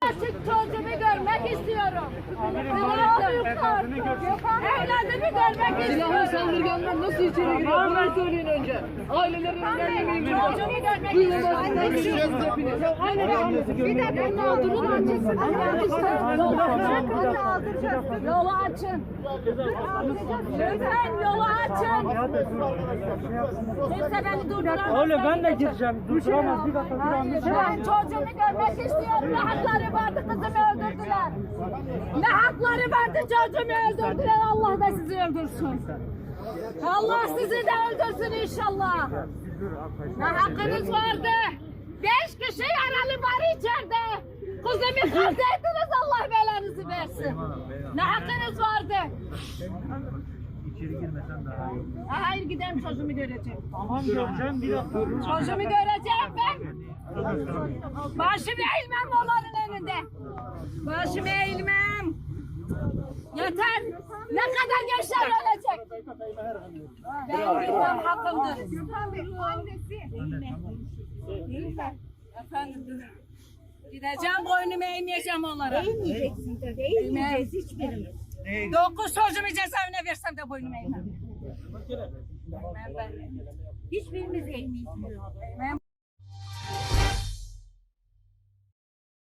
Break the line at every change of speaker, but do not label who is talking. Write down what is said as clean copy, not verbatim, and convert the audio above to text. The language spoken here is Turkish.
açık çocuğumu görmek istiyorum. Evladımı görmek
Silahlı
istiyorum.
saldırganlar nasıl içeri giriyor? Bunu söyleyin önce. Ailelerin önlerine
Çocuğumu görmek istiyorum. Bir dakika ne olduğunu açın. Yolu açın. Lütfen yolu açın. Kimse beni durduramaz.
Öyle ben de gireceğim. Durduramaz bir dakika.
Ben çocuğumu görmek istiyorum. Ne hakları vardı kızımı öldürdüler. Ne hakları vardı çocuğumu öldürdüler. Allah da sizi öldürsün. Allah sizi de öldürsün inşallah. Ne hakkınız vardı? 5 kişi yaralı var içeride. Kızımı kırdıydınız, Allah belanızı versin. Ne hakkınız vardı?
İçeri girmesen daha iyi.
Hayır gidelim çocuğumu göreceğim.
Tamam göreceğim bir dakika.
Çocuğumu göreceğim ben. Başımı eğilmem onların önünde. Başımı eğilmem. Yeter. Ne kadar gençler ölecek? Ben gitmem hakkımdır. Efendim dur. Gideceğim boynumu eğmeyeceğim onlara.
Eğmeyeceksin tabii. Eğmeyeceğiz hiçbirimiz.
9 çocuğumu cezaevine versem de boynumu eğmem.
Hiçbirimiz eğmeyeceğiz.